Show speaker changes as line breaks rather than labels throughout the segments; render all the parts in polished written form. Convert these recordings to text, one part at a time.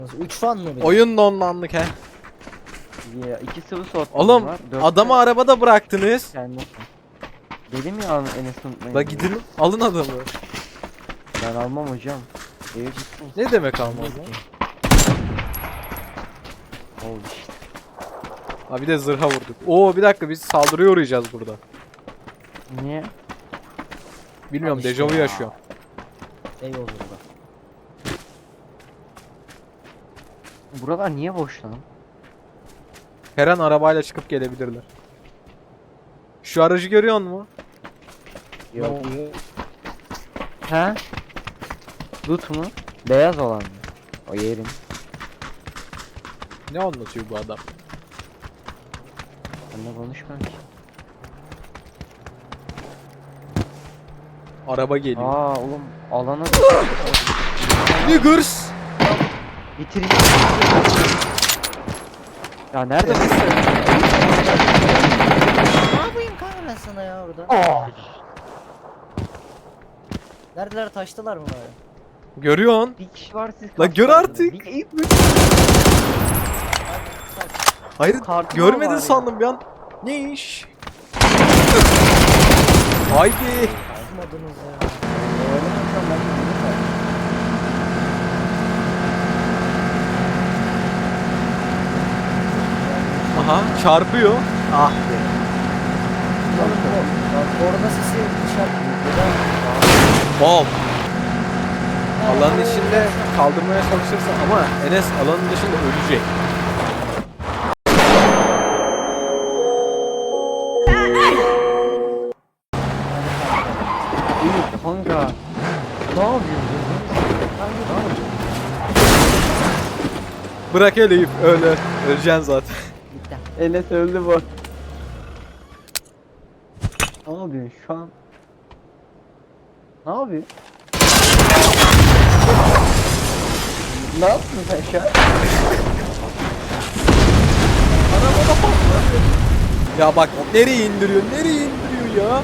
3 fan mı bir?
Oyun donlandık he.
Ya 2 sıvı soğutma
Oğlum
var. 4
adamı arabada bıraktınız.
kendisi. Dedim ya Enes unutmayın.
La
diye.
gidin alın adamı.
Ben almam hocam. Eve gitsin.
Ne demek almaz lan?
Oldu işte.
Ha bir de zırha vurduk. Oo bir dakika biz saldırıya uğrayacağız burada.
Niye?
Bilmiyorum
Al işte
dejavu
ya.
yaşıyor.
Eyvallah burada.
Buralar niye boş lan?
Her an arabayla çıkıp gelebilirler. Şu aracı görüyor musun?
Ne oluyor?
He? Loot mu? Beyaz olan mı? O yerin.
Ne anlatıyor bu adam?
Benimle konuşmuyorum ki.
Araba geliyor.
Aa oğlum alana
Niggers!
bitireceğim. Ya nerede bu?
Ne yapayım kanka ben sana ya orada?
Aa!
Neredeler, taştılar mı bari?
Görüyorsun.
Bir kişi var siz
La gör
kaçtınız.
artık.
Bir-
Hayır
Kartı
görmedin
var ya.
sandım bir an. Ne iş? Haydi.
Tutmadınız ya.
Oynamazsam ben de bilirim.
Aha çarpıyor. Ah be.
Orada sesi dışarı.
Bom. Alanın içinde kaldırmaya çalışırsın ama Enes alanın dışında ölecek.
İyi kanka. Ne yapıyorsun?
Bırak Elif öyle. Öleceksin zaten.
Bitti.
Enes öldü bu. Ne yapıyorsun şu an? Ne yapıyorsun? Ne yaptın sen şu an?
Ya bak nereye indiriyor? Nereye indiriyor ya?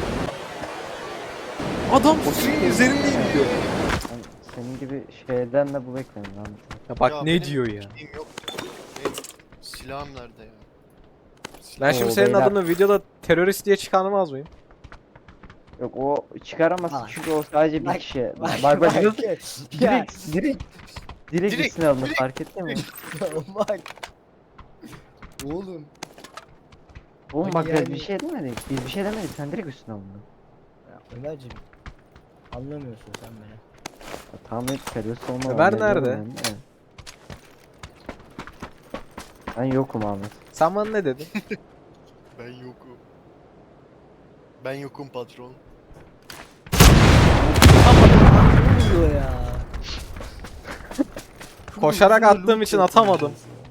Adam suyun üzerinde indiriyor.
Ben senin gibi şeyden de bu beklenir lan.
Ya bak
Ya
ne
benim
diyor ya?
şeyim yok. Benim silahım nerede ya?
Ben şimdi
Oo,
senin
beyler.
adını videoda terörist diye çıkarmaz mıyım?
Yok o çıkaramazsın
Bak.
çünkü o sadece bir
Bak,
kişi.
bak,
Bak
bak.
nasıl?
Ya,
Direkt
Direkt,
üstüne alınır
direkt.
fark ettin mi?
bak. Oğlum.
Oğlum
Bak
bak
yani-
biz bir şey demedik. Biz bir şey demedik. Sen direkt üstüne alındın.
Ya Ömerciğim. Anlamıyorsun sen beni.
Ya, tahmin et terörist olma.
Ömer
anlayabiliyorum
nerede?
yani, evet. Ben yokum Ahmet.
Sen bana ne dedin?
Ben yokum. Ben yokum patron.
Ne oluyor ya?
Koşarak attığım için atamadım.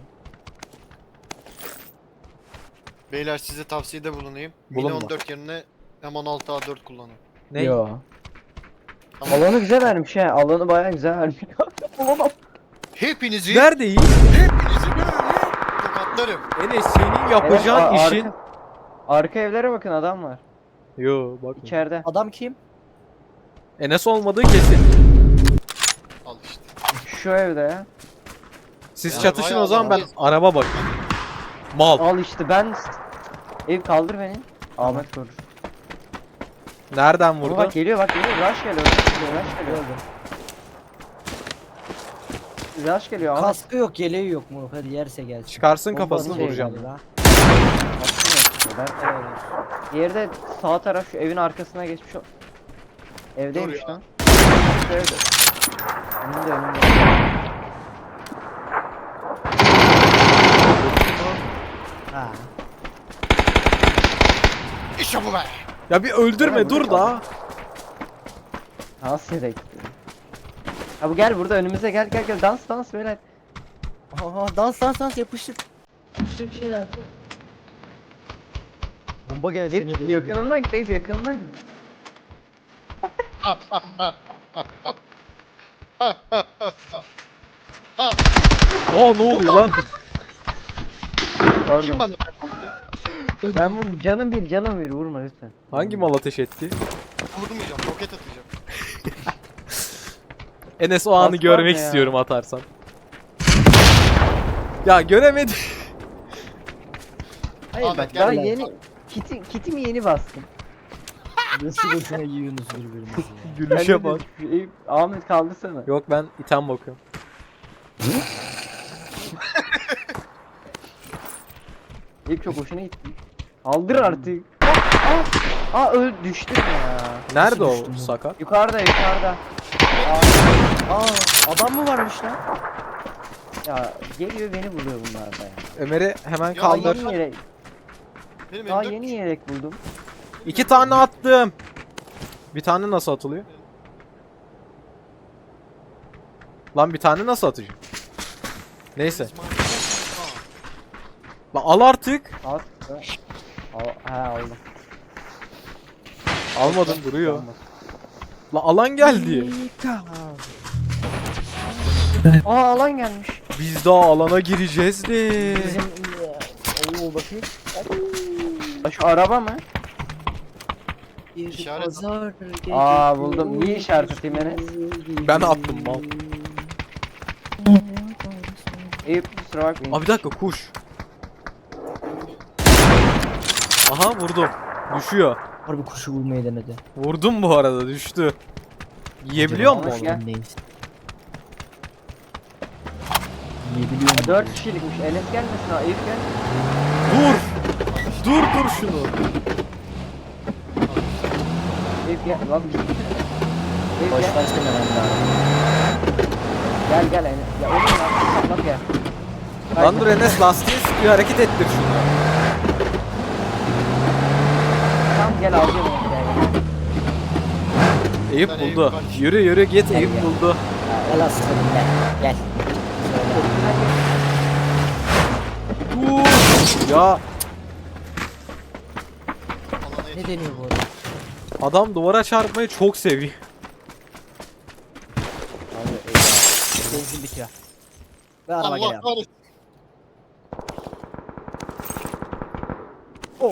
Beyler size tavsiyede bulunayım.
Bulunma.
Mini 14 yerine M16A4 kullanın.
Ne?
Yo.
Tamam.
Alanı güzel vermiş he. Alanı bayağı güzel vermiş. Olamam.
Hepinizi
Neredeyiz?
hepinizi böyle tokatlarım.
Enes senin yapacağın
Evet,
işin...
Arka evlere bakın adam var.
Yo bak.
İçeride.
Adam kim?
Enes olmadığı kesin.
Al işte.
Şu evde ya.
Siz
Ya
çatışın
bayağı
o zaman ben
adam-
araba bakayım. Mal.
Al işte ben. Ev kaldır beni. Ahmet korur.
Nereden
Ama
vurdu?
bak geliyor bak geliyor. Rush geliyor. Rush geliyor. Rush geliyor.
Gördüm.
Rush geliyor. Ahmet.
Kaskı yok, yeleği yok mu? Hadi yerse gelsin.
Çıkarsın
Bombanın
kafasını
şey
vuracağım.
Hadi la.
Aslında ben diğeri de sağ taraf şu evin arkasına geçmiş o. Evdeymiş
Dur ya.
lan. Şu evde. Önünde.
Ha.
İşte bu be.
Ya bir öldürme
Ömer,
dur
burada
da.
Nasıl yere gitti? Ha bu gel burada önümüze gel dans böyle.
Aha, dans yapıştık. Bir şeyler. Bomba geldi.
Hep yakınından git Eyüp yakınından git.
Aa ne oluyor lan?
Kim
Pardon.
bana?
Ben bunu canım bir vurma lütfen.
Hangi mal ateş etti?
Vurmayacağım, roket atacağım.
Enes o anı
Bas
görmek
var ya.
istiyorum atarsan. Ya göremedim.
Hayır
Ahmet,
bak
gel
daha
lan.
yeni kitimi yeni bastım.
Nasıl boşuna yiyorsunuz birbirinizi ya?
Gülüşe bak.
Eyüp, Ahmet kaldırsana.
Yok ben item bakıyorum.
Eyüp çok hoşuna gitti. Kaldır artık. Öl düştüm ya.
Nerede o
düştün bu?
sakat?
Yukarıda.
Aa adam mı varmış lan?
Ya geliyor beni buluyor bunlar da ya.
Ömer'i hemen
Ya
Daha
kaldır.
yeni yelek,
Benim
daha
M4
yeni yelek buldum.
2 tane attım. Bir tane nasıl atılıyor? Lan bir tane nasıl atacağım? Neyse. Lan al artık.
At. Aldım.
Almadım duruyor. Lan alan geldi.
Alan gelmiş.
Biz daha alana gireceğiz de.
Bizim Oo bakayım.
Şu araba mı?
Bir
İşaret.
pazar
Buldum. Niye işaret atayım Enes?
Ben attım mal.
Eyüp kusura bakmayın.
Aa bir dakika kuş. Aha vurdum. Düşüyor.
Harbi kuşu vurmayı denedi.
Vurdum bu arada düştü. Yiyebiliyor
Acaba
mu
hoş
onu?
gel.
Neyiz? Yiyebiliyor mu?
4 kişilikmiş. Enes gelmesin ha. Eyüp gel.
Dur. Dur şunu.
Eyüp gel. Lan bir Eyüp
Boş
gel.
başta ben
Gel Enes. Ya oğlum ya. Bak ya.
Lan dur Enes lastiği sıkıyor hareket ettir şunu.
Tamam gel alacağım onu. Gel.
Eyüp
Ben Eyüp
buldu.
kaç.
Yürü git Eyüp
gel.
buldu.
Gel aslanım gel. Gel.
Ya
alana
Ne
yetiştim.
deniyor bu arada?
adam duvara çarpmayı çok seviyor.
Benzin bitiyor. Ve araba
Allah
geliyor.
kahretsin.
Oh.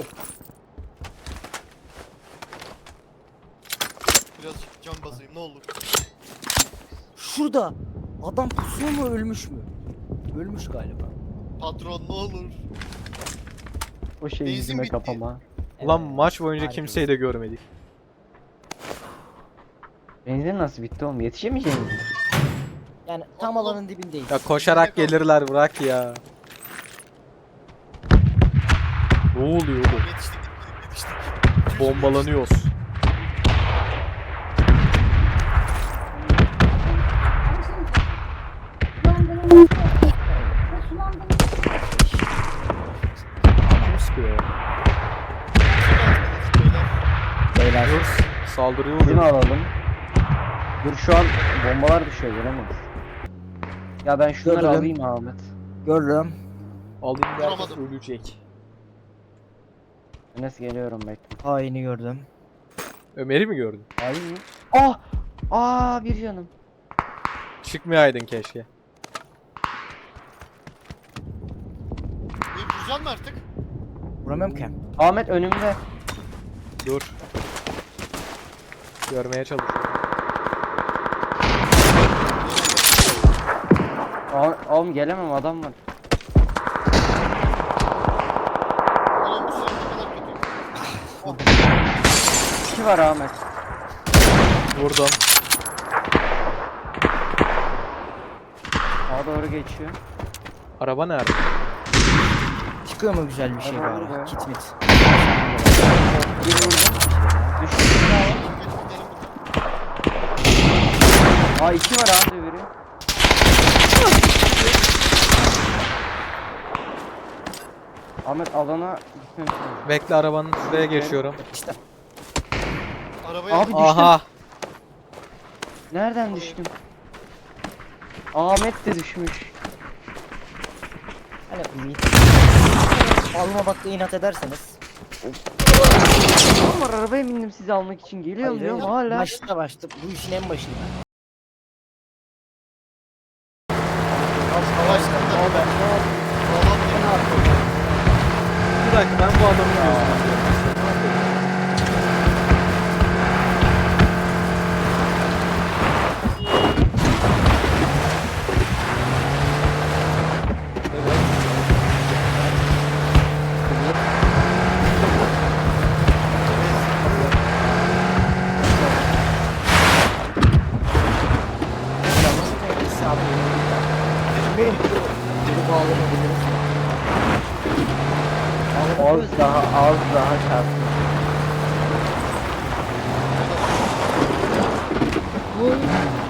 Birazcık can basayım ne olur.
Şurada. Adam pusuyor mu ölmüş mü? Ölmüş galiba.
Patron ne olur.
O şey
Benzin
yüzüme
bitti.
kapama.
Lan maç boyunca
harika.
kimseyi de görmedik.
Benzin nasıl bitti oğlum? Yetişemeyeceğim mi?
Yani tam alanın dibindeyiz.
Ya koşarak gelirler bırak ya. Ne oluyor oğlum?
Yetiştik.
Bombalanıyoruz. Kim sıkıyor ya?
Beyler.
Saldırıyor
Bizim
oluyor.
alalım. Dur şu an bombalar düşüyor göremeyiz. Ya ben şunları
Gördüm.
alayım Ahmet.
Görürüm.
Alayım derken
Vuramadım.
ölecek.
Enes geliyorum bekle.
Haini gördüm.
Ömer'i mi gördün?
Alayım mı? Bir canım.
Çıkmayaydın keşke.
İyi vuracaksın mı artık?
Vuramıyorum ki.
Ahmet önümde.
Dur. Görmeye çalışıyorum.
Oğlum gelemem adam var.
Oğlum bu silah ne kadar kötü.
2 var Ahmet.
Vurdum.
Sağa doğru geçiyor.
Araba nerede?
Çıkıyor mu güzel bir şey
Tamam,
bari?
evet.
Kit mit.
Bir vurdum. Düştü.
Gidelim buradan.
2 var Ahmet öbürü. Ahmet alana gitmemiz lazım.
Bekle arabanın şuraya geçiyorum.
İşte.
Arabaya
Abi düştüm.
Aha.
Nereden düştüm? Ahmet de düşmüş.
Hani almamakta inat ederseniz.
Oğlum var arabaya bindim sizi almak için. Geliyorum diyorum hala.
Başta bu işin en başında.
savaştırdı.
Bir dakika ben bu adamın gözüne Evet.
Az daha çarptı.
Oy.